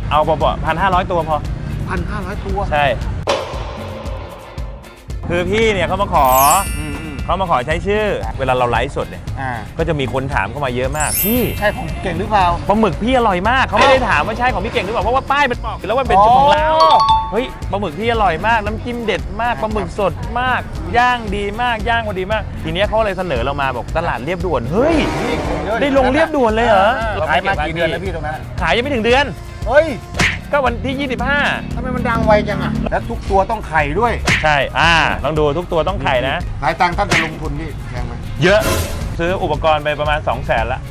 เอาเบาๆ1,500 ตัวพอ 1,500 ตัวใช่คือพี่เนี่ยเขามาขอใช้ชื่อเวลาเราไลฟ์สดเนี่ยก็จะมีคนถามเข้ามาเยอะมากพี่ใช่ของเก่งหรือเปล่าปลาหมึกพี่อร่อยมากเขาไม่ได้ถามว่าใช่ของพี่เก่งหรือเปล่าเพราะว่าป้ายมันบอกแล้วว่าเป็นชื่อของเราเฮ้ยปลาหมึกพี่อร่อยมากน้ำจิ้มเด็ดมากปลาหมึกสดมากย่างดีมากย่างพอดีมากทีนี้เขาเลยเสนอเรามาบอกตลาดเรียบด่วนเฮ้ยได้ลงเรียบด่วนเลยเหรอขายมากี่เดือนแล้วพี่ตรงนั้นขายยังไม่ถึงเดือนเฮ้ยก็วันที่ 25 ทำไมมันดังไวจังอ่ะแล้วทุกตัวต้องไข่ด้วยใช่ลองดูทุกตัวต้องไข่นะหลายตังค์ท่านจะลงทุนพี่แพงไหมเยอะซื้ออุปกรณ์ไปประมาณ 200,000ละ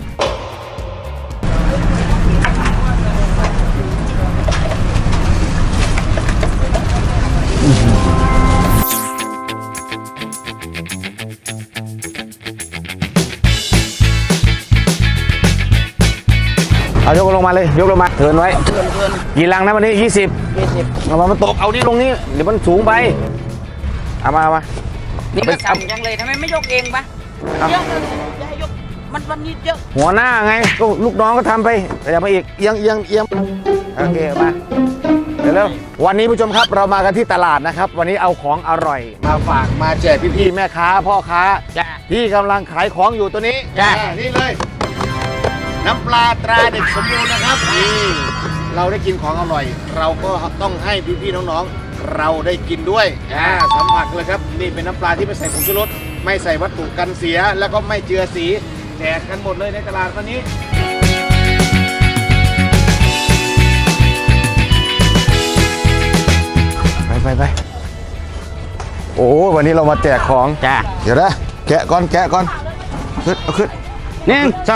เอายกลงมาเลยยกลงมาเทินไว้กี่ลังนะวันนี้20เอามาตกเอานี่ลงนี่เดี๋ยวมันสูงไปเอามานี่ก็สั่งยังเลยทำไมไม่ยกเองปะเยอะเลยจะให้ยกมันวันนี้เยอะหัวหน้าไงก็ลูกน้องก็ทำไปแต่อย่ามาอีกเอียงโอเคมาเดี๋ยวแล้ววันนี้ผู้ชมครับเรามากันที่ตลาดนะครับวันนี้เอาของอร่อยมาฝากมาแจกพี่ๆแม่ค้าพ่อค้าที่กำลังขายของอยู่ตัวนี้นี่เลยน้ำปลาตราเด็กสมบูรณ์นะครับนี่เราได้กินของอร่อยเราก็ต้องให้พี่ๆน้องๆเราได้กินด้วยสัมผัสเลยครับนี่เป็นน้ำปลาที่ไม่ใส่ผงชูรสไม่ใส่วัตถุกันเสียแล้วก็ไม่เจือสีแจกกันหมดเลยในตลาดวันนี้ไปโอ้วันนี้เรามาแจกของเดี๋ยวนะแกะก่อนขึ้นเอาขึ้น1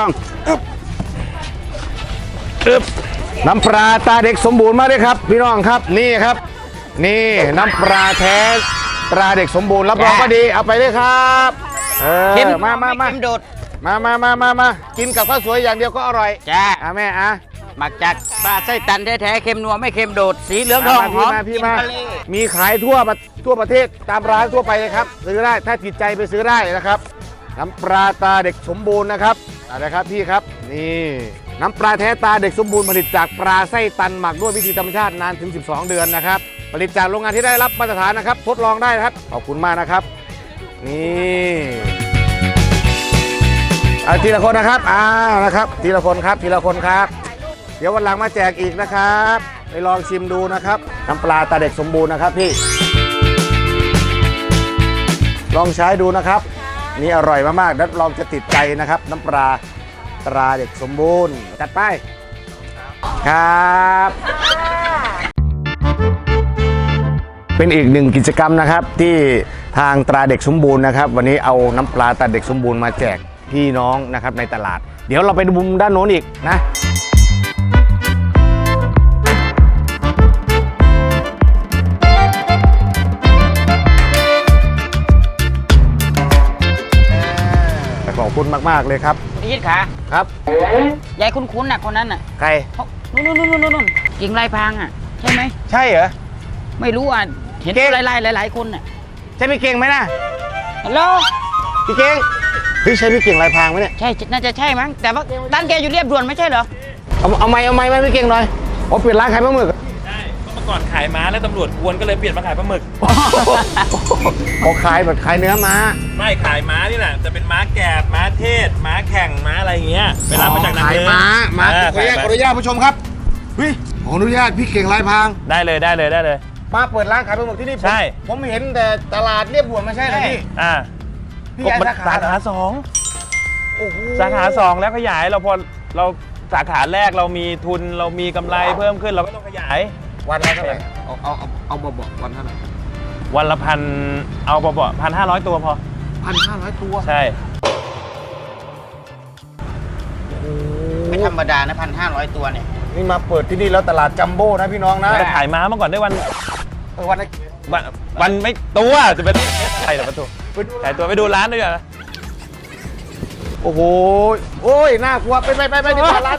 2น้ำปลาตาเด็กสมบูรณ์มาด้วยครับพี่น้องครับนี่ครับนี่น้ำปลาแท้ตราเด็กสมบูรณ์รับรองก็ดีเอาไปเลยครับมาโดดมากินกับข้าวสวยอย่างเดียวก็อร่อยแม่หมักจากปลาไส้ตันแท้ๆเค็มนัวไม่เค็มโดดสีเหลืองทองหอมพี่มามีขายทั่วประเทศตามร้านทั่วไปเลยครับซื้อได้ถ้าติดใจไปซื้อได้นะครับน้ำปลาตาเด็กสมบูรณ์นะครับอะไรครับพี่ครับนี่น้ำปลาแท้ตาเด็กสมบูรณ์ผลิตจากปลาไส้ตันหมักด้วยวิธีธรรมชาตินานถึง12 เดือนนะครับผลิตจากโรงงานที่ได้รับมาตรฐานนะครับทดลองได้นะครับขอบคุณมากนะครับนี่ทีละคนนะครับนะครับทีละคนครับเดี๋ยววันหลังมาแจกอีกนะครับไปลองชิมดูนะครับน้ำปลาตาเด็กสมบูรณ์นะครับพี่ลองใช้ดูนะครับนี่อร่อยมากๆแล้วลองจะติดใจนะครับน้ำปลาตราเด็กสมบูรณ์จัดไปครับเป็นอีกหนึ่งกิจกรรมนะครับที่ทางตราเด็กสมบูรณ์นะครับวันนี้เอาน้ำปลาตราเด็กสมบูรณ์มาแจกพี่น้องนะครับในตลาดเดี๋ยวเราไปดูมุมด้านโน้นอีกนะขอบคุณมากๆเลยครับพี่ยิดขาครับยายคุ้นๆน่ะคนนั้นน่ะใครนู่นกิ่งลายพางอ่ะใช่ไหมใช่เหรอไม่รู้อ่ะเห็นหลายคนน่ะใช่พี่เก่งไหมนะฮัลโหลพี่เก่งใช่พี่เก่งลายพางไหมเนี่ยใช่น่าจะใช่มั้งแต่ว่าร้านแกอยู่เรียบด่วนไม่ใช่เหรอเอาไม้ไหมพี่เก่งหน่อยเปลี่ยนร้านขายปลาหมึกใช่เมื่อก่อนขายม้าแล้วตำรวจกวนก็เลยเปลี่ยนมาขายปลาหมึกขายแบบขายเนื้อม้าไม่ขายม้านี่แหละจะเป็นม้าแกบม้าเทศม้าแข่งม้าอะไรอย่างเงี้ยไปรับมาจากนาขายม้าขออนุญาตผู้ชมครับขออนุญาตพี่เก่งลายพางได้เลยมาเปิดร้านขายปลาหมึกที่นี่ใช่ผมเห็นแต่ตลาดเรียบด่วนไม่ใช่เหรอพี่สาขาสาขา2แล้วขยายเราพอเราสาขาแรกเรามีทุนเรามีกำไรเพิ่มขึ้นเราก็ต้องขยายวันละเท่าไหร่เอาเบาๆวันเท่าไหร่วันละเอาเบาๆ1,500 ตัวพอ 1,500 ตัวใช่ไม่ธรรมดานะ1,500 ตัวเนี่ยนี่มาเปิดที่นี่แล้วตลาดจัมโบ้นะพี่น้องนะจะขายม้ามาก่อนได้วันไม่ตัวจะเป็นใครหรอประตูขายตัวไปดูร้านด้วยนะโอ้โหน่ากลัวไปดีกว่าร้าน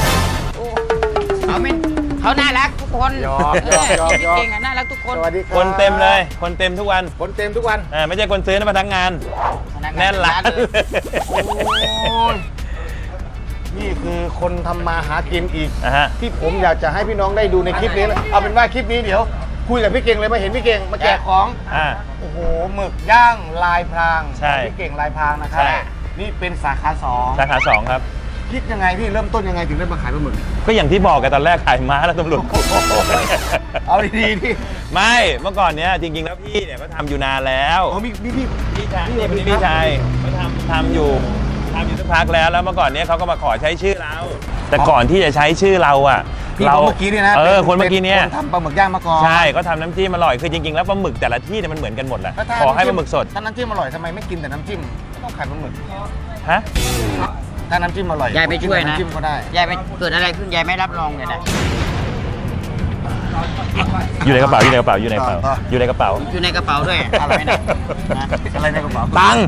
เขาน่ารักทุกคนเก่งน่ารักทุกคนคนเต็มเลยคนเต็มทุกวันไม่ใช่คนซื้อนะพนักงานแน่นร้านนี่คือคนทำมาหากินอีกฮะที่ผมอยากจะให้พี่น้องได้ดูในคลิปนี้เลยเอาเป็นว่าคลิปนี้เดี๋ยวคุยกับพี่เก่งเลยมาเห็นพี่เก่งมาแจกของ โอ้โหหมึกย่างลายพรางใช่พี่เก่งลายพรางนะครับใช่นี่เป็นสาขาสองสาขา2ครับคิดยังไงพี่เริ่มต้นยังไงถึงได้มาขายปลาหมึกก็อย่างที่บอกกันตอนแรกขายม้าแล้วตำรวจเอาดีๆพี่ไม่เมื่อก่อนเนี้ยจริงๆแล้วพี่เนี่ยก็ทำอยู่นานแล้วอ๋อมีพี่พี่ชายนี่เป็นพี่ชายเขาทำอยู่สักพักแล้วเมื่อก่อนเนี้ยเขาก็มาขอใช้ชื่อเรา แต่ก่อนที่จะใช้ชื่อเราอ่ะพี่คนเมื่อกี้เนี่ยนะคนเมื่อกี้เนี่ยคนทำปลาหมึกย่างมาก่อนใช่ก็ทำน้ำจิ้มอร่อยคือจริงๆแล้วปลาหมึกแต่ละที่เนี่ยมันเหมือนกันหมดแหละแล้วถ้าขอให้ปลาหมึกสดถ้าน้ำจิ้มอร่อยทำไมไม่กินแต่น้ำจิ้มไม่ต้องขายปลาหมึกฮะถ้าน้ำจิ้มอร่อยยายไปช่วยนะน้ำจิ้มก็ได้ยายไปเกิดอะไรขึ้นยายไม่รับรองเลยนะอยู่ในกระเป๋าอยู่ในกระเป๋าอยู่ในกระเป๋าอยู่ในกระเป๋าอยู่ในกระเป๋าด้วยอะไรนะนะอะไรในกระเป๋าตังค์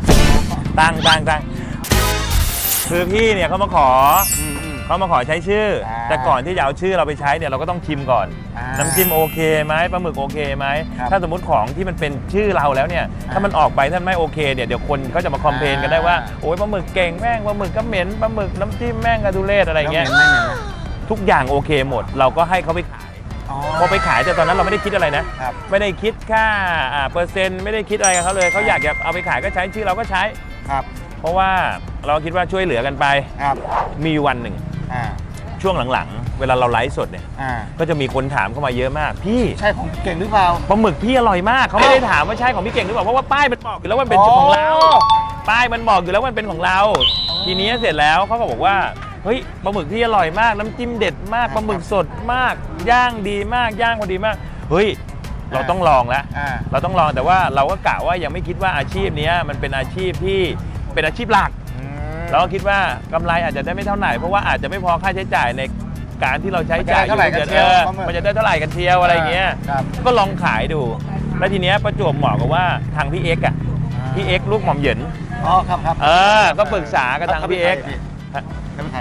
คือพี่เนี่ยเขามาขอใช้ชื่อ แต่ก่อนที่จะเอาชื่อเราไปใช้เนี่ยเราก็ต้องชิมก่อน น้ำจิ้มโอเคไหมปลาหมึกโอเคไหมถ้าสมมติของที่มันเป็นชื่อเราแล้วเนี่ยถ้ามันออกไปถ้ามันไม่โอเคเนี่ยเดี๋ยวคนเขาจะมาคอมเพลนกันได้ว่าโอ้ยปลาหมึกเก่งแม่งปลาหมึกก็เหม็นปลาหมึกน้ำจิ้มแม่งกระดูเลศอะไรเงี้ยไม่เหม็นนะทุกอย่างโอเคหมด เราก็ให้เขาไปขาย พอไปขายแต่ตอนนั้นเราไม่ได้คิดอะไรนะครับไม่ได้คิดค่าเปอร์เซ็นต์ไม่ได้คิดอะไรกับเขาเลยเขาอยากจะเอาไปขายก็ใช้ชื่อเราก็ใช้ครับเพราะว่าเราคิดว่าช่วยเหลือกันไปครับมีวันหนึ่งอ่าช่วงหลังๆ เวลาเราไลฟ์สดเนี่ยอ่าก็จะมีคนถามเข้ามาเยอะมาก พี่ใช่ของเก่งหรือเปล่าปลาหมึกพี่อร่อยมากเขาไม่ได้ถามว่าใช่ของพี่เก่งหรือเปล่าเพราะว่าป้ายมันบอกอยู่แล้วว่ามันเป็นของเราอ๋อป้ายมันบอกอยู่แล้วว่ามันเป็นของเรา ทีนี้เสร็จแล้วเขาก็บอกว่าเฮ้ยปลาหมึกที่อร่อยมากน้ำจิ้มเด็ดมากปลาหมึกสดมาก ย่างดีมากย่างพอดีมากเฮ้ยเราต้องลองแล้วอ่าเราต้องลองแต่ว่าเราก็กะว่ายังไม่คิดว่าอาชีพเนี้ยมันเป็นอาชีพที่เป็นอาชีพหลัก เราก็คิดว่ากำไรอาจจะได้ไม่เท่าไหร่เพราะว่าอาจจะไม่พอค่าใช้จ่ายในการที่เราใช้จ่ายอยู่มันจะได้เท่าไหร่กันเชียวมันจะได้เท่าไหร่กันเทียวอะไรเงี้ยครับก็ลองขายดู แล้วทีเนี้ยประจวบเหมาะกับว่าทางพี่เอ็กซ์อ่ะพี่เอ็กซ์ลูกหม่อมเหยินอ๋อครับครับก็ปรึกษากับทางพี่เอ็กซ์เขาเป็นใคร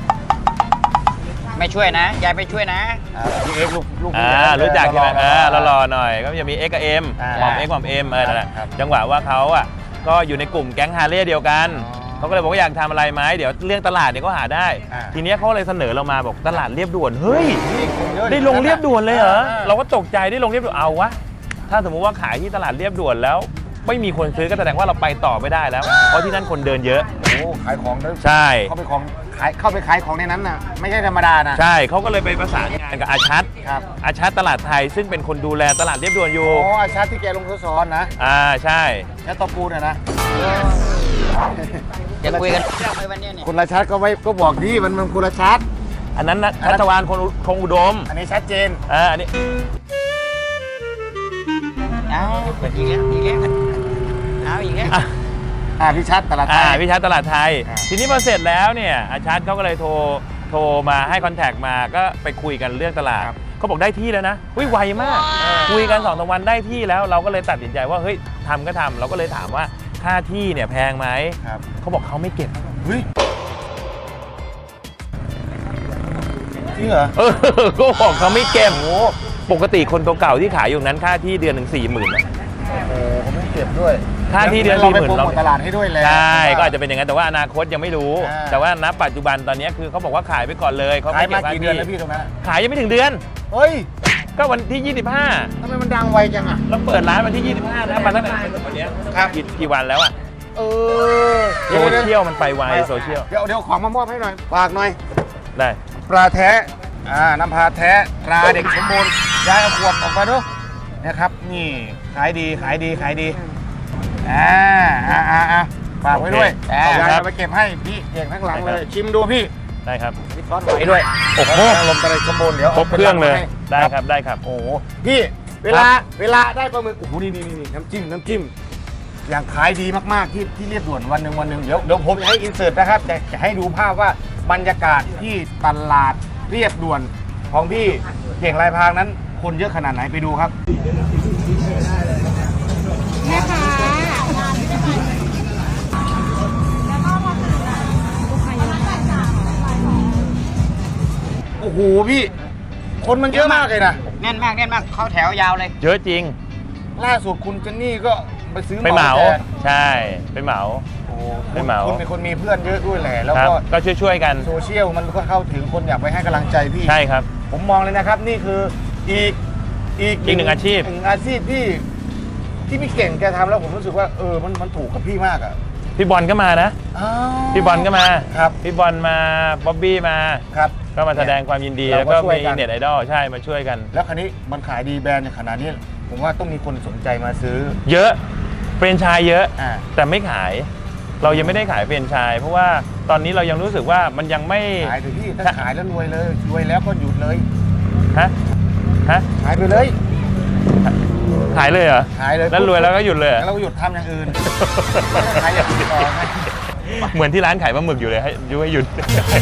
ไม่ช่วยนะยายไปช่วยนะพี่เอ็กซ์ลูกรู้จักใช่ไหมรอรอหน่อยก็จะมีเอ็กซ์กับเอ็มอ่าหม่อมเอ็กซ์หม่อมเอ็มนั่นแหละครับจังหวะว่าเขาอ่ะก็อยู่ในกลุ่มแก๊งฮาร์เลย์เดียวกันอ๋อเขาก็เลยบอกว่าอยากทำอะไรไหมเดี๋ยวเรื่องตลาดเนี่ยก็หาได้อ่าทีเนี้ยเขาเลยเสนอเรามาบอกตลาดเรียบด่วนเฮ้ยนี่คนเยอะได้ลงเรียบด่วนเลยเหรอาเราก็ตกใจได้ลงเรียบด่วนเอาวะ ถ้าสมมุติว่าขายที่ตลาดเรียบด่วนแล้ว ไม่มีคนซื้อก็แสดงว่าเราไปต่อไม่ได้แล้ว เพราะที่นั่นคนเดินเยอะโอ้ขายของด้วยใช่เข้าไปขายของในนั้นน่ะไม่ใช่ธรรมดานะใช่เขาก็เลยไปประสานงานกับอาชัดครับอาชัดตลาดไทยซึ่งเป็นคนดูแลตลาดเรียบด่วนอยู่โอ้อาชาติที่แกลงทดสอนนะใช่แค่ตะปูน่ะนะจะคุยกันเรื่องไปวันเนี้ยเนี่ยคุณราชัดก็บอกดีมันคุณราชัดอันนั้นนะชัชวานคงอุดมอันนี้ชัดเจนอันนี้เอาอีกแล้วเอาอีกแล้วพี่ชัดตลาดไทยพี่ชัดตลาดไทยอ่าทีนี้พอเสร็จแล้วเนี่ยอาชัดเขาก็เลยโทรมาให้คอนแทคมาก็ไปคุยกันเรื่องตลาดเขาบอกได้ที่แล้วนะไวมาก คุยกัน2-3 วันได้ที่แล้วเราก็เลยตัดสินใจว่าเฮ้ยทำก็ทำเราก็เลยถามว่าค่าที่เนี่ยแพงไหมครับเขาบอกเขาไม่เก็บเฮ้ยจริงเหรอก็บอกเขาไม่เก็บปกติคนเก่าๆที่ขายอยู่นั้นค่าที่เดือนหนึ่ง40,000นะโอ้เขาไม่เก็บด้วยค่าที่เดือนเราไป 40,000 โปรโมทตลาดให้ด้วยแล้วใช่ก็อาจจะเป็นอย่างนั้นแต่ว่าอนาคตยังไม่รู้อ่าแต่ว่าณปัจจุบันตอนนี้คือเขาบอกว่าขายไปก่อนเลยเขาขายไม่มาเก็บค่ากี่เดือนแล้วที่พี่ตรงนั้นขายยังไม่ถึงเดือนเฮ้ยก็วันที่ 25 ทำไมมันดังไวจังอ่ะเราเปิดร้านวันที่ 25นะมาตั้งแต่วันเนี้ยครับกี่วันแล้วอะเออโซเชียลมันไปไวโซเชียลเดี๋ยวของมามอบให้หน่อยฝากหน่อยได้ปลาแท้น้ำปลาแท้ตราเด็กสมบูรณ์ยายเอาขวดออกมาดูนะครับนี่ขายดีฝากไว้ด้วยโอเคยายครับเอาไปเก็บให้พี่เก่งทั้งหลังเลยชิมดูพี่ได้ครับพี่ซ้อนไว้ด้วยโอ้โหลมตะไลสมบูรณ์เดี๋ยวครบเครื่องเลยให้ได้ครับได้ครับโอ้โหพี่เวลาได้ปลาหมึกโอ้โหนี่น้ำจิ้มอย่างขายดีมากๆที่เรียบด่วนวันหนึ่งเดี๋ยวผมจะให้อินเสิร์ตนะครับจะให้ดูภาพว่าบรรยากาศที่ตลาดเรียบด่วนของพี่เก่งลายพรางนั้นคนเยอะขนาดไหนไปดูครับแม่ค้าโอ้โหพี่ คนมันเยอะมากเลยนะแน่นมากเข้าแถวยาวเลยเยอะจริงล่าสุดคุณเจนนี่ก็ไปซื้อไปเหมาแจกใช่ไปเหมาโอ้ไปเหมาคุณเป็นคนมีเพื่อนเยอะด้วยแหละแล้วครับก็ก็ช่วยๆกันโซเชียลมันก็เข้าถึงคนอยากไปให้กำลังใจพี่ใช่ครับผมมองเลยนะครับนี่คืออีกหนึ่งอาชีพหนึ่งอาชีพที่พี่เก่งแกทำแล้วผมรู้สึกว่ามันถูกกับพี่มากอ่ะพี่บอลก็มานะอ้าวพี่บอลก็มาครับพี่บอลมาบ๊อบบี้มาครับก็มาแสดงความยินดีเราแล้วก็ก็ช่วยมีกันเน็ตไอดอลใช่มาช่วยกันแล้วคันนี้มันขายดีแบรนด์ในขนาดนี้ ผมว่าต้องมีคนสนใจมาซื้อเยอะเฟรนไชส์เยอะอ่าแต่ไม่ขาย เรายังไม่ได้ขายเฟรนไชส์เพราะว่าตอนนี้เรายังรู้สึกว่ามันยังไม่ขายเถอะพี่ถ้าขายแล้วรวยเลยรวยแล้วก็หยุดเลยฮะฮะขายไปเลยขายเลยเหรอขายเลยแล้วรวยแล้วก็หยุดเลยเหรอแล้วเราหยุดทำอย่างอื่นไม่ได้ขายอย่างอื่นต่อนะเหมือนที่ร้านขายปลาหมึกอยู่เลยให้หยุด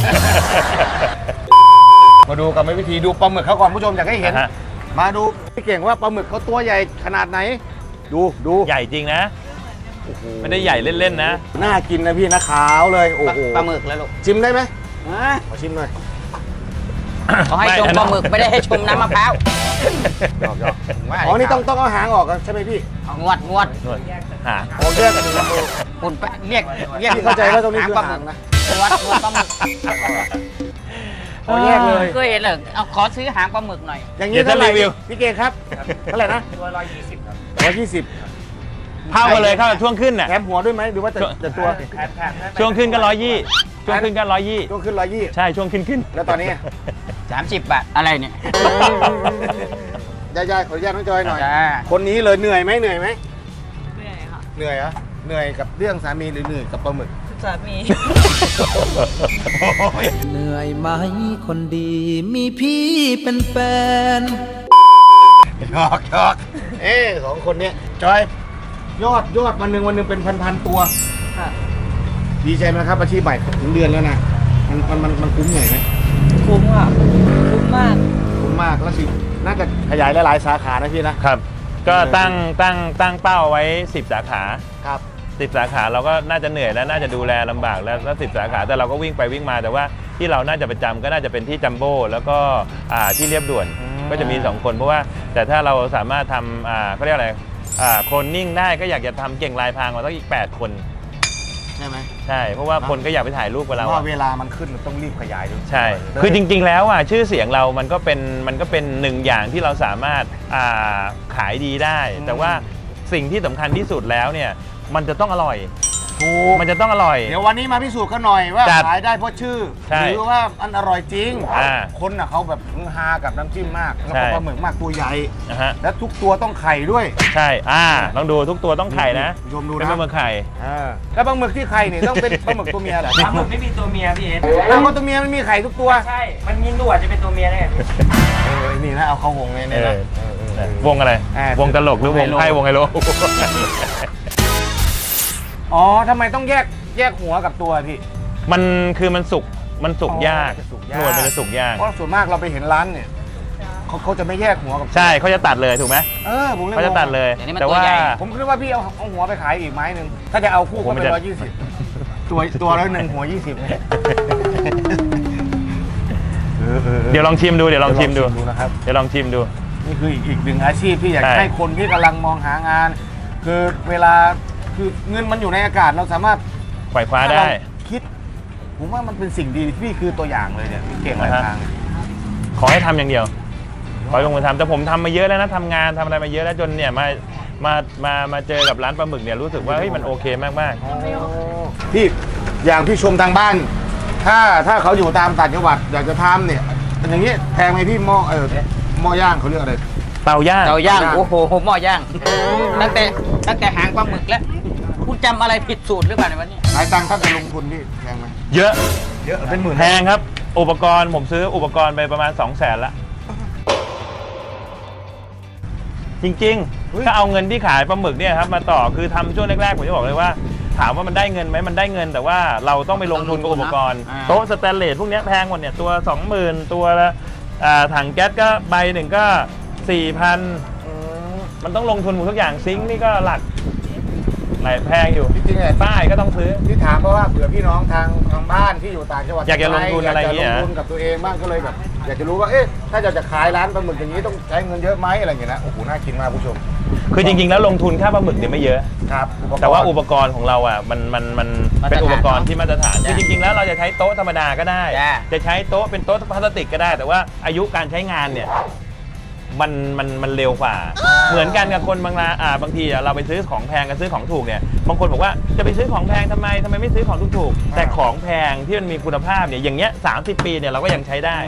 มาดูกับวิธีดูปลาหมึกเขาก่อนผู้ชมอยากให้เห็นฮะมาดูพี่เก่งว่าปลาหมึกเขาตัวใหญ่ขนาดไหน ดูใหญ่จริงนะโอ้โหไม่ได้ใหญ่เล่นๆนะน่ากินนะพี่นะขาวเลยโอ้โหปลาหมึกแล้วลูกชิมได้ไหมอ่ะขอชิมหน่อยเขาให้ชมปลาหมึกไม่ได้ให้ชมน้ำมะพร้าวหยอกอ๋อนี่ต้องเอาหางออกใช่ไหมพี่เอางวดนวดหาอ๋อแยกกันนะคุณไปเรียกพี่เข้าใจว่าตรงนี้คือปลาหหามึงกนะงวดปลาหมึกอ๋อแยกเลยเคยเห็นเหรอเอาขอซื้อหางปลาหมึกหน่อยอย่างนี้เท่าไหร่พี่เก่งครับเท่าไหร่นะตัว120ครับ120 เข้ากันเลยเข้ากับช่วงขึ้นน่ะแถมหัวด้วยไหมหรือว่าแต่ตัวช่วงขึ้นก็120ช่วงขึ้นก็120 ช่วงขึ้น120 ใช่ช่วงขึ้นแล้วตอนนี้ 30 บาทอะไรเนี่ยยายๆขออนุญาตน้องจอยหน่อยจ้าคนนี้เลยเหนื่อยไหมเหนื่อยค่ะเหนื่อยเหรอเหนื่อยกับเรื่องสามีหรือเหนื่อยกับปลาหมึกสามีเหนื่อยไหมคนดีมีพี่เป็นแฟนหยอกสองคนเนี้ยจอยยอดวันหนึ่งเป็นพันตัวค่ะดีใจไหมครับอาชีพใหม่ถึงเดือนแล้วนะมันคุ้มเหนื่อยไหมคุ้มค่ะ คุ้มมากคุ้มมากแล้วสิน่าจะขยายหลายๆสาขานะพี่นะครับก็ตั้งเป้าไว้10 สาขาครับ 10 สาขาเราก็น่าจะเหนื่อยแล้วน่าจะดูแลลำบากแล้ว10 สาขาแต่เราก็วิ่งไปวิ่งมาแต่ว่าที่เราน่าจะประจำก็น่าจะเป็นที่จัมโบ้แล้วก็ที่เรียบด่วนก็จะมี2คนเพราะว่าแต่ถ้าเราสามารถทำเขาเรียกอะไรโคลนนิ่งได้ก็อยากจะทำเก่งลายพรางมาต้องอีก8 คนใช่ไหมใช่เพราะว่าคนก็อยากไปถ่ายรูปกับเราว่าเวลามันขึ้นมันต้องรีบขยายด้วยใช่ คือจริงๆ แล้วชื่อเสียงเรามันก็เป็นหนึ่งอย่างที่เราสามารถขายดีได้ แต่ว่าสิ่งที่สำคัญที่สุดแล้วเนี่ยมันจะต้องอร่อยถูกมันจะต้องอร่อยเดี๋ยววันนี้มาพิสูจน์กันหน่อยว่าจัดขายได้เพราะชื่อใช่หรือว่ามันอร่อยจริง คนน่ะเขาแบบฮือฮากับน้ำจิ้มมากแล้วก็ใช่ปลาหมึกมากตัวใหญ่นะฮะและทุกตัวต้องไข่ด้วยใช่ต้องดูทุกตัวต้องไข่นะผู้ชมดูเป็นนะปลาหมึกไข่แล้วปลาหมึกที่ไข่เนี่ยต้องเป็นปลาหมึกตัวเมียเหรอปลาหมึกไม่มีตัวเมียพี่เอ็นปลาหมึกตัวเมียมันมีไข่ทุกตัวใช่ มันมีหนวดจะเป็นตัวเมียได้ไงนี่นะเอาเข้าวงเลยเนี่ยนะวงอะไร วงตลกหรือวงไพ่วงไฮโลอ๋อทำไมต้องแยกหัวกับตัวพี่มันสุกยากสุกหนวดมันจะสุกยากเพราะส่วนมากเราไปเห็นร้านเนี่ยเขาจะไม่แยกหัวกับตัวใช่เขาจะตัดเลยถูกไหมผมเลยเขาจะตัดเลยเดี๋ยวนี้มันแต่ตัวว่าใหญ่ผมคิดว่าพี่เอาหัวไปขายอีกไม้หนึ่งถ้าจะเอาคู่ก็เป็น120ตัวละ1หัว20เนี่ยเดี๋ยวลองชิมดูนะครับเดี๋ยวลองชิมดูนี่คืออีกหนึ่งอาชีพที่อยากใช่ให้คนที่กำลังมองหางาน คือเวลาคือเงินมันอยู่ในอากาศเราสามารถปล่อยคว้าถ้าได้เราคิด ผมว่ามันเป็นสิ่งดีพี่คือตัวอย่างเลยเนี่ยพี่เก่งหลายทางขอให้ทำอย่างเดียว ขอให้ลงมือทำแต่ผมทำมาเยอะแล้วนะทำงานทำอะไรมาเยอะแล้วจนเนี่ยมาเจอกับร้านปลาหมึกเนี่ยรู้สึกว่าเฮ้ยมันโอเคมากพี่อย่างพี่ชมทางบ้าน ถ้าเขาอยู่ตามต่างจังหวัดอยากจะทำเนี่ยเป็นอย่างนี้แพงไหมพี่หม้อย่างเขาเรียกอะไรๆเตาย่างเตาย่าง โอ้โหหม้อย่าง ตั้งแต่หางปลาหมึกแล้ว คุณจำอะไรผิดสูตรหรือเปล่าในวันนี้หลายตังค์ถ้าจะลงทุนพี่แพงไหมเยอะเยอะเป็นหมื่นแพงครับ อุปกรณ์ผมซื้ออุปกรณ์ไปประมาณ 200,000ละจริงๆ ถ้าเอาเงินที่ขายปลาหมึกเนี่ยครับมาต่อคือทำช่วงแรกๆผมจะบอกเลยว่า ถามว่ามันได้เงินไหมมันได้เงิน แต่ว่าเราต้องไปลงทุนกับอุปกรณ์โต๊ะสแตนเลสพวกเนี้ยแพงหมดเนี่ยตัว 20,000 ตัวละถังแก๊สก็ใบหนึ่งก็ 4,000 มันต้องลงทุนหมดทุกอย่างซิงค์นี่ก็หลักหลายแพงอยู่จริงๆเนี่ยป้ายก็ต้องซื้อที่ถามเพราะว่าเผื่อพี่น้องทางบ้านที่อยู่ต่างจังหวัดอยากจะลงทุนอะไรอย่างเงี้ยอยากจะลงทุนกับตัวเองบ้างก็เลยแบบอยากจะรู้ว่าเอ๊ะถ้าจะขายร้านปลาหมึกอย่างนี้ต้องใช้เงินเยอะไหมอะไรอย่างเงี้ยนะโอ้โหน่ากินมากผู้ชมคือจริงๆแล้วลงทุนค่าปลาหมึกเนี่ยไม่เยอะครับแต่ว่าอุปกรณ์ของเราอ่ะมันเป็นอุปกรณ์ที่มาตรฐานคือจริงๆแล้วเราจะใช้โต๊ะธรรมดาก็ได้ จะใช้โต๊ะเป็นโต๊ะพลาสติกก็ได้ แต่ว่าอายุการใช้งานเนี่ยมันเร็วกว่า เหมือนกันกับคนบางทีเราไปซื้อของแพงกับซื้อของถูกเนี่ยบางคนบอกว่าจะไปซื้อของแพงทำไมไม่ซื้อของถูกๆแต่ของแพงที่มันมีคุณภาพเนี่ยอย่างเงี้ย30 ปีเนี่ยเราก็ยังใช้ได้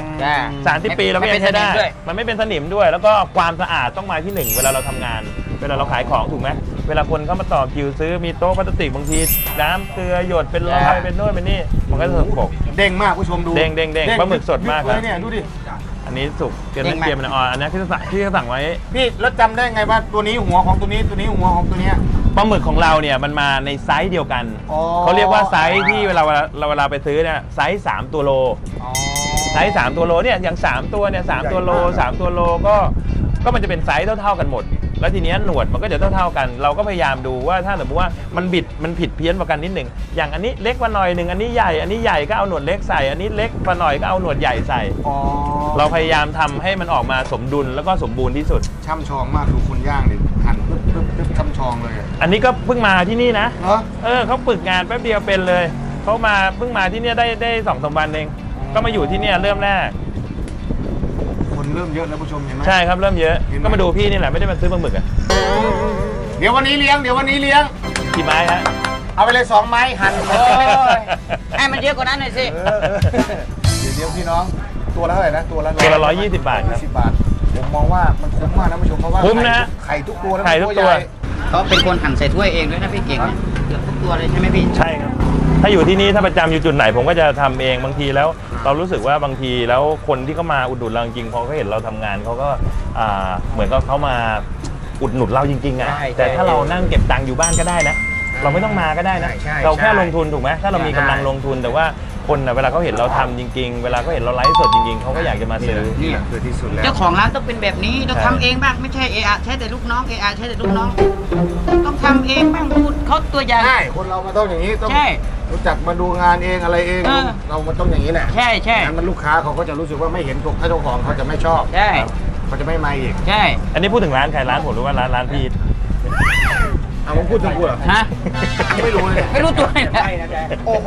30 ปีเราก็ยังใช้ได้ มันไม่เป็นสนิมด้วย แล้วก็ความสะอาดต้องมาที่หนึ่งเวลาเราทำงาน เวลาเราขายของถูกไหมเวลาคนเข้ามาต่อคิวซื้อมีโต๊ะพลาสติกบางทีน้ำเกลือหยดเป็นรอยเป็นโน่นเป็นนี่มันก็จะสกปรกเด้งมากผู้ชมดูเด้งปลาหมึกสดมากครับเลยเนี่ยดูดิอันนี้สุกเกรียมมันอ่อนอันนี้ที่เขาสั่งไว้พี่แล้วจำได้ไงว่าตัวนี้หัวของตัวนี้ตัวนี้หัวของตัวเนี้ยปลาหมึกของเราเนี่ยมันมาในไซส์เดียวกันอ๋อเขาเรียกว่าไซส์ที่เวลาไปซื้อเนี่ยไซส์3ตัวโลอ๋อไซส์3ตัวโลเนี่ยอย่าง3ตัวเนี่ย3ตัวโลใหญ่มาก 3ตัวโลก็มันจะเป็นไซส์เท่าๆกันหมด แล้วทีเนี้ยหนวดมันก็จะเท่าๆกัน เราก็พยายามดูว่าถ้าสมมติว่ามันผิดเพี้ยนกว่ากันนิดหนึ่งอย่างอันนี้เล็กกว่าหน่อยหนึ่งอันนี้ใหญ่ก็เอาหนวดเล็กใส่อันนี้เล็กกว่าหน่อยก็เอาหนวดใหญ่ใส่อ๋อเราพยายามทำให้มันออกมาสมดุลแล้วก็สมบูรณ์ที่สุดช่ำชองมากดูคนย่างดิหั่นปึ๊บช่ำชองเลยอะอันนี้ก็เพิ่งมาที่นี่นะเนาะเขาฝึกงานแป๊บเดียวเป็นเลยเขาเพิ่งมาที่เนี่ยได้2-3 วันเองก็มาอยู่ที่เนี่ยเริ่มแรกคนเริ่มเยอะแล้วผู้ชมเห็นไหมใช่ครับเริ่มเยอะเห็นไหมก็มาดูพี่นี่แหละไม่ได้มาซื้อปลาหมึกอะเดี๋ยววันนี้เลี้ยงกี่ไม้ฮะเอาไปเลย2 ไม้หั่นโอ้ยให้มันเยอะกว่านั้นหน่อยสิเดี๋ยวพี่น้องตัวละเท่าไหร่นะตัวละตัวละ120 บาทครับ 20 บาทผมมองว่ามันคุ้มมากนะผู้ชมเพราะว่าคุ้มนะไข่ทุกตัวนะไข่ทุกตัวใหญ่เขาเป็นคนหั่นใส่ถ้วยเองด้วยนะพี่เก่งเนี่ยเกือบทุกตัวเลยใช่ไหมพี่ใช่ครับถ้าอยู่ที่นี่ถ้าประจำอยู่จุดไหนผมก็จะทำเองบางทีแล้ว เรารู้สึกว่าบางทีแล้วคนที่เขามาอุดหนุนเราจริงๆพอเขาเห็นเราทำงานเขาก็เหมือนก็เขามาอุดหนุนเราจริงๆอ่ะใช่แต่ถ้าเรานั่งเก็บตังค์อยู่บ้านก็ได้นะ เราไม่ต้องมาก็ได้นะใช่เราแค่ลงทุนถูกไหมถ้าเรามีกำลังลงทุนแต่ว่าคนน่ะเวลาเขาเห็นเราทำจริงๆ เวลาเขาเห็นเราไลฟ์สดจริงๆเขาก็อยากจะมาซื้อนี่แหละคือที่สุดแล้วเจ้าของร้านต้องเป็นแบบนี้ต้องใช่ทำเองบ้างไม่ใช่เออะใช้แต่ลูกน้องเออะใช้แต่ลูกน้อง ต้องทำเองบ้างพูดเขาตัวอย่างใช่คนเรามันต้องอย่างนี้ต้องใช่รู้จักมาดูงานเองอะไรเองเออเรามันต้องอย่างนี้แหละใช่ใช่งั้นมันลูกค้าเขาก็จะรู้สึกว่าไม่เห็นถูกถ้าเจ้าของเขาจะไม่ชอบใช่เขาจะไม่มาอีกใช่อันนี้พูดถึงร้านใครร้านผมหรือว่าร้านพี่เอาผมพูดถึงกูเหรอฮะไม่รู้เลยไม่รู้ตัวเลยนะโอ้โห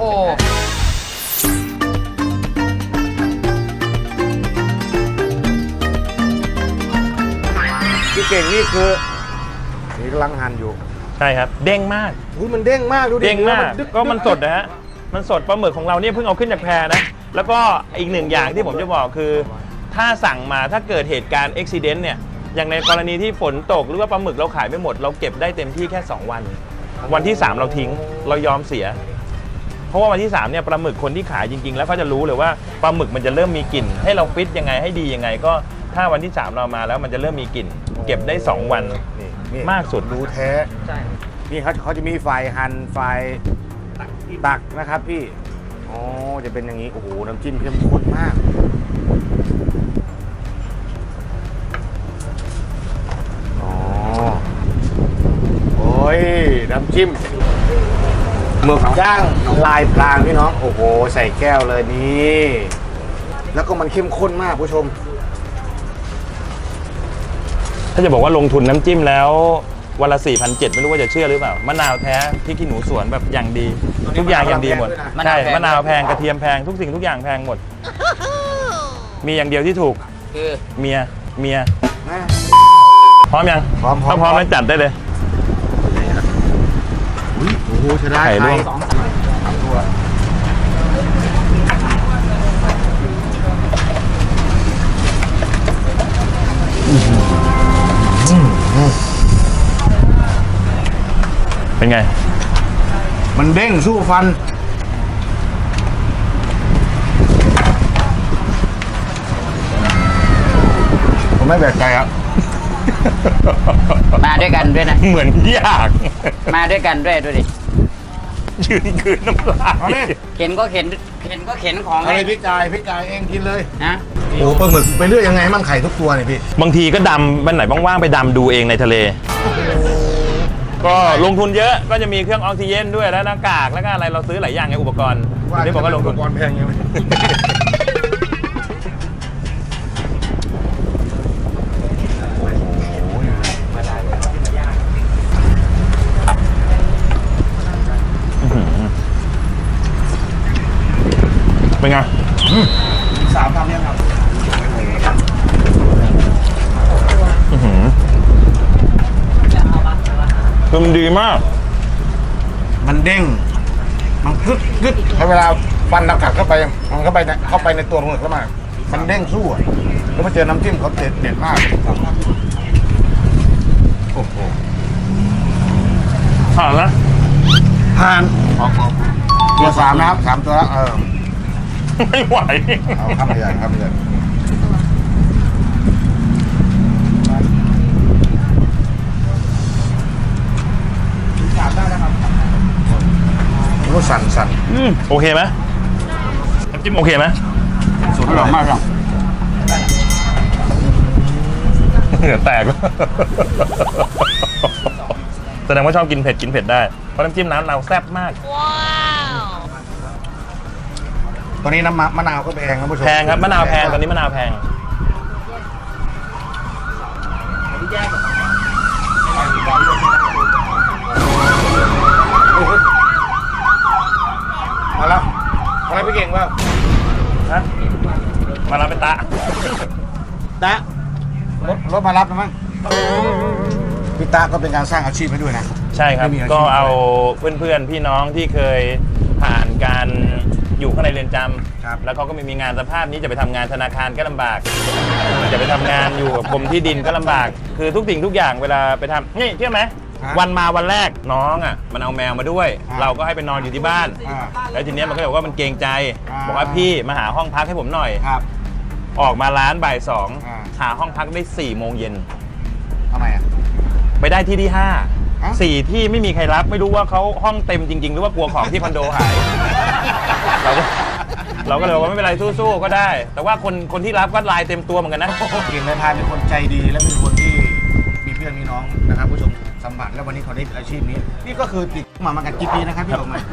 พี่เก่งนี่คือนี่กำลังหั่นอยู่ใช่ครับเด้งมากอุ้ยมันเด้งมากดูดิเด้งมากดึก็มันสดนะฮะมันสดปลาหมึกของเราเนี่ยเพิ่งเอาขึ้นจากแพนะแล้วก็อีกหนึ่งอย่างที่ผมจะบอกคือ ถ้าสั่งมาถ้าเกิดเหตุการณ์อุบิเหตุเนี่ยอย่างในกรณีที่ฝนตกหรือว่าปลาหมึกเราขายไม่หมด เราเก็บได้เต็มที่แค่ 2 วัน วันที่ 3 เราทิ้งเรายอมเสีย เพราะว่าวันที่3เนี่ยปลาหมึกคนที่ขายจริงๆ แล้วเขาจะรู้เลยว่าปลาหมึกมันจะเริ่มมีกลิ่น ให้เราฟิตยังไงให้ดียังไง ก็ถ้าวันที่ 3 เรามาแล้วมันจะเริ่มมีกลิ่น เก็บได้ 2 วันนี่มากสุดรู้แท้ใช่นี่เขาจะมีฝ่ายหั่นฝ่ายตักนะครับพี่อ๋อจะเป็นอย่างนี้โอ้โหน้ำจิ้มเข้มข้นมากอ๋อโอ้ยน้ำจิ้มหมึกย่างลายพรางพี่น้องโอ้โหใส่แก้วเลยนี่แล้วก็มันเข้มข้นมากผู้ชมถ้าจะบอกว่าลงทุนน้ำจิ้มแล้ววันละ 4,700 ไม่รู้ว่าจะเชื่อหรือเปล่ามะนาวแท้พริกขี้หนูสวนแบบอย่างดี ทุกอย่างอย่างดีหมดใช่มะนาวแพงกระเทียมแพงทุกสิ่งทุกอย่างแพงหมด มีอย่างเดียวที่ถูกคือเมียนะพร้อมยังพร้อมถ้าพร้อมแล้วจัดได้เลยอุ๊ยโอ้โหใช้ได้ไข่ลวกสองตัวเป็นไงมันเด้งสู้ฟัน ผมไม่แปลกใจครับมาด้วยกันด้วยนะเหมือนยากมาด้วยกันด้วยดูดิยืนคืนน้ำลายเอาเลยเข็นก็เข็นของเอาเลยพี่จ่ายเองกินเลยนะโอ้ปลาหมึกไปเรื่อยยังไงมั่งไข่ทุกตัวเนี่ยพี่บางทีก็ดำวันไหนว่างๆไปดำดูเองในทะเลก็ลงทุนเยอะก็จะมีเครื่องออกซิเจนด้วยแล้วหน้ากากแล้วก็อะไรเราซื้อหลายอย่างไงอุปกรณ์ที่บอกว่าลงทุนอุปกรณ์แพงยังไงเป็นไง 3 คำเนี่ยครับคือมันดีมากมันเด้ง มันกึดกึดให้เวลาฟันเรากัดเข้าไปมันเข้าไปในตัวปลาหมึกแล้วมันเด้งสู้อะแล้วมาเจอน้ำจิ้มเขาเด็ดมากโอ้โหผ่านแล้วผ่านตัว3นะครับ3 ตัวแล้วไม่ไหวเอาข้ามไปใหญ่ข้ามไปใหญ่รู้สั่นโอเคไหมน้ำจิ้มโอเคไหมสุดอร่อยมากครับเหงื่อแตกแสดงว่าชอบกินเผ็ดได้เพราะน้ำจิ้มน้ำเราแซ่บมากตัวนี้น้ำมะนาวก็แพงครับผู้ชมแพงครับมะนาวแพงตอนนี้มะนาวแพงมาแล้วอะไรพี่เก่งว่าฮะมารับเป็นตะตะรถมารับนะมั้งพี่ตะก็เป็นการสร้างอาชีพให้ด้วยนะใช่ครับไม่มีอาชีพก็เอาเพื่อนๆพี่น้องที่เคยผ่านการอยู่ข้างในเรือนจำแล้วเขาก็ไม่มีงานสภาพนี้จะไปทำงานธนาคารก็ลำบาก จะไปทำงานอยู่กับกรมที่ดินก็ลำบาก คือทุกสิ่งทุกอย่างเวลาไปทำนี่เชื่อไหมวันมาวันแรกน้องอ่ะมันเอาแมวมาด้วย เราก็ให้ไปนอนอยู่ที่บ้าน แล้วทีเนี้ยมันก็บอกว่ามันเกรงใจ บอกว่าพี่มาหาห้องพักให้ผมหน่อยครับออกมาร้านบ่ายอ่า 2หาห้องพักได้4 โมงเย็นทำไมอ่ะไปได้ที่ฮะ 5 4ที่ไม่มีใครรับไม่รู้ว่าเขาห้องเต็มจริงๆ หรือว่ากลัวของที่คอนโดหาย เราก็เลยบอกว่าไม่เป็นไรสู้ๆก็ได้ แต่ว่าคนที่รับก็ลายเต็มตัวเหมือนกันนะเก่งนายพรานเป็นคนใจดีและเป็นคนที่มีเพื่อนมีน้องนะครับผู้ชมสัมผัสแล้ววันนี้เขาได้อาชีพนี้ นี่ก็คือติดมากันกี่ปีนะครับพี่ออกมา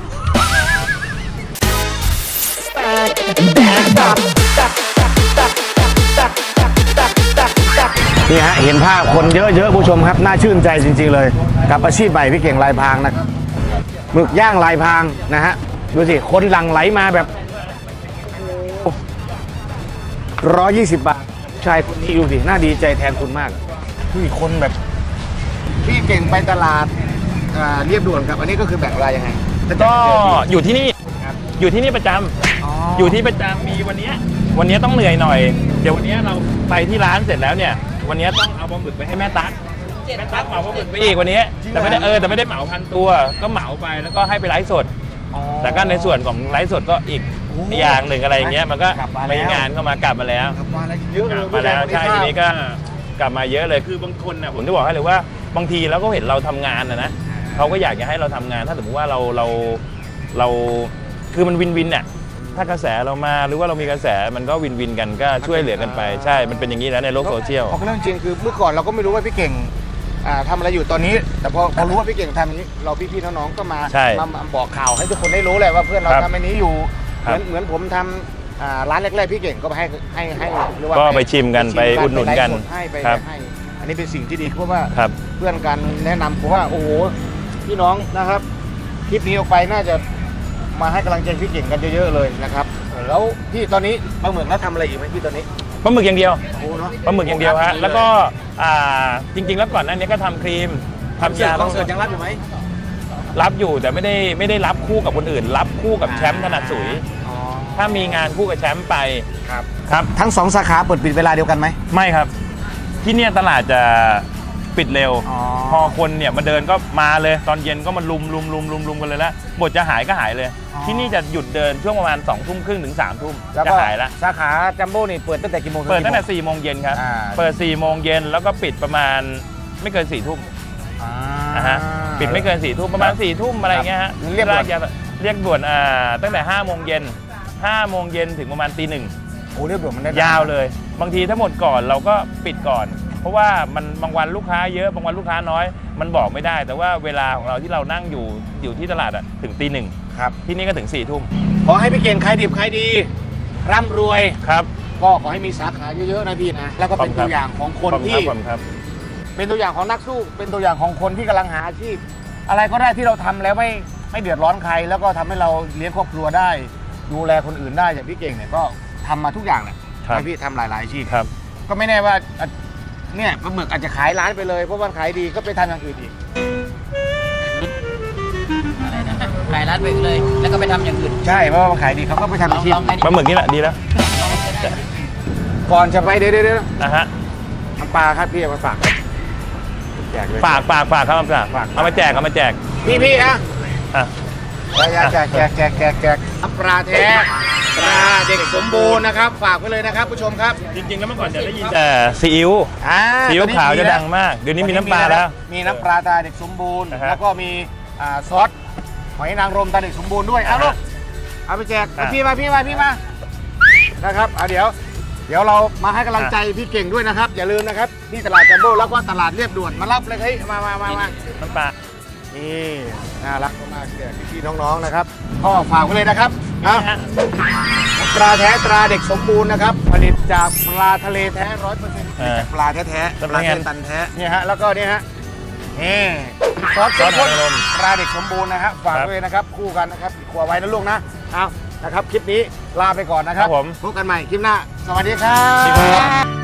นี่ฮะเห็นภาพคนเยอะๆผู้ชมครับน่าชื่นใจจริงๆเลยกับอาชีพใหม่พี่เก่งลายพรางนะหมึกย่างลายพรางนะฮะดูสิคนหลั่งไหลมาแบบ120 บาทชายคนนี้ดูสิน่าดีใจแทนคุณมากพี่คนแบบพี่เก่งไปตลาดเรียบด่วนครับอันนี้ก็คือแบ่งรายยังไงก็อยู่ที่นี่อยู่ที่นี่ประจำอยู่ที่ประจำมีวันนี้ต้องเหนื่อยหน่อยเดี๋ยววันนี้เราไปที่ร้านเสร็จแล้วเนี่ยวันนี้ต้องเอาปลาหมึกไปให้แม่ตั๊กเหมาปลาหมึกไปอีกวันนี้แต่ไม่ได้เหมาพันตัวก็เหมาไปแล้วก็ให้ไปไลฟ์สดแต่ก็ในส่วนของไลฟ์สดก็อีกอย่างหนึ่งอะไรอย่างเงี้ยมันก็ไปงานเข้ามากลับมาแล้วกลับมาแล้วเยอะเลยมาแล้วใช่ทีนี้ก็กลับมาเยอะเลยคือบางคนน่ะผมจะบอกให้เลยว่าบางทีแล้วก็เห็นเราทำงานนะเขาก็อยากจะให้เราทำงานถ้าสมมติว่าเราคือมันวินวินเนี่ยถ้ากระแสเรามาหรือว่าเรามีกระแสมันก็วินวินกันก็ช่วยเหลือกันไปใช่มันเป็นอย่างนี้แล้วในโลกโซเชียลเรื่องจริงคือเมื่อก่อนเราก็ไม่รู้ว่าพี่เก่งทำอะไรอยู่ตอนนี้แต่พอรู้ว่าพี่เก่งทำอย่างนี้เราพี่ๆน้องๆก็มาบอกข่าวให้ทุกคนได้รู้เลยว่าเพื่อนเราทำอันนี้อยู่เหมือนผมทำร้านแรกๆพี่เก่งก็ไปให้หรือว่าก็ไปชิมกันไปอุดหนุนกันให้อันนี้เป็นสิ่งที่ดีเพราะว่าเพื่อนกันแนะนำผมว่าโอ้โหพี่น้องนะครับคลิปนี้ออกไปน่าจะมาให้กำลังใจพี่เก่งกันเยอะๆเลยนะครับแล้วพี่ตอนนี้ปลาหมึกแล้วทำอะไรอีกไหมพี่ตอนนี้ปลาหมึกอย่างเดียวโอ้เนาะปลาหมึกอย่างเดียวฮะแล้วก็จริงๆแล้วก่อนหน้านี้ก็ทำครีมทำยาคอนเสิร์ตยังรับอยู่ไหมรับอยู่แต่ไม่ได้รับคู่กับคนอื่น รับคู่กับแชมป์ถนัดสุยถ้ามีงานคู่กับแชมป์ไปครับทั้ง2 สาขาเปิดปิดเวลาเดียวกันไหมไม่ครับที่เนี่ยตลาดจะปิดเร็วพอคนเนี่ยมาเดินก็มาเลยตอนเย็นก็มาลุมกันเลยแล้วบทจะหายก็หายเลยที่นี่จะหยุดเดินช่วงประมาณ2 ทุ่มครึ่งถึง3 ทุ่มจะหายละสาขาจัมโบ้นี่เปิดตั้งแต่กี่โมงเปิดตั้งแต่4 โมงเย็นครับเปิด4 โมงเย็นแล้วก็ปิดประมาณไม่เกิน4 ทุ่มปิดไม่เกิน4 ทุ่มประมาณ4 ทุ่มอะไรเงี้ยฮะเรียกด่วนตั้งแต่5 โมงเย็น5 โมงเย็นถึงประมาณตี 1 โอ้เรียกด่วนมันได้ยาวเลยบางทีถ้าหมดก่อนเราก็ปิดก่อนเพราะว่ามันบางวันลูกค้าเยอะบางวันลูกค้าน้อยมันบอกไม่ได้ แต่ว่าเวลาของเราที่เรานั่งอยู่ที่ตลาดอะถึงตี 1ครับที่นี่ก็ถึง4 ทุ่มขอให้พี่เก่งขายดิบขายดีร่ำรวยครับก็ขอให้มีสาขาเยอะๆนะพี่นะแล้วก็เป็นตัวอย่างของคนที่ครับเป็นตัวอย่างของนักสู้เป็นตัวอย่างของคนที่กำลังหาอาชีพอะไรก็ได้ที่เราทำแล้วไม่เดือดร้อนใคร แล้วก็ทำให้เราเลี้ยงครอบครัวได้ ดูแลคนอื่นได้อย่างพี่เก่งเนี่ยก็ทำมาทุกอย่างแหละให้พี่ทำหลายๆอาชีพครับก็ไม่แน่ว่าเนี่ยปลาหมึกอาจจะขายร้านไปเลยเพราะว่าขายดีก็ไปทำอย่างอื่นอีกอะไรนะขายร้านไปเลย แล้วก็ไปทำอย่างอื่นใช่เพราะว่ามันขายดีเขาก็ไปทำอาชีพลองให้ดิปลาหมึกนี่แหละดีแล้วก่อนจะไปเดี๋ยวนะฮะน้ำปลาครับพี่เอามาฝากแจกเลยฝากครับฝากเอามาแจกพี่ฮะอ่ะแจกปลาแท้ปลาเด็กสมบูรณ์นะครับฝากไว้เลยนะครับผู้ชมครับจริงๆแล้วเมื่อก่อนจะได้ยินแต่ซีอิ๊ว ซีอิ๊วตอนนี้ขาวจะดังมากเดี๋ยวนี้มีน้ำปลาแล้วมีน้ำปลาตาเด็กสมบูรณ์นะฮะแล้วก็มีซอสหอยนางรมตาเด็กสมบูรณ์ด้วยเอาลูกเอาไปแจกอ่ะพี่มานะครับเดี๋ยวเรามาให้กำลังใจพี่เก่งด้วยนะครับอย่าลืมนะครับที่ตลาดจัมโบ้แล้วก็ตลาดเรียบด่วนมารับเลยเฮ้ยมาน้ำปลานี่น่ารักมากๆแก่พี่ๆน้องๆนะครับก็ฝากไว้เลยนะครับนะปลาแท้ตราเด็กสมบูรณ์นะครับผลิตจากปลาทะเลแท้ 100%จากปลาแท้ๆปลาเส้นตันแท้เนี่ยฮะแล้วก็เนี่ยฮะนี่ซอสเข้มข้นปลาเด็กสมบูรณ์นะครับฝากไว้เลยนะครับคู่กันนะครับครัวไว้นะลูกนะเอานะครับคลิปนี้ลาไปก่อนนะครับพบกันใหม่คลิปหน้าสวัสดีครับ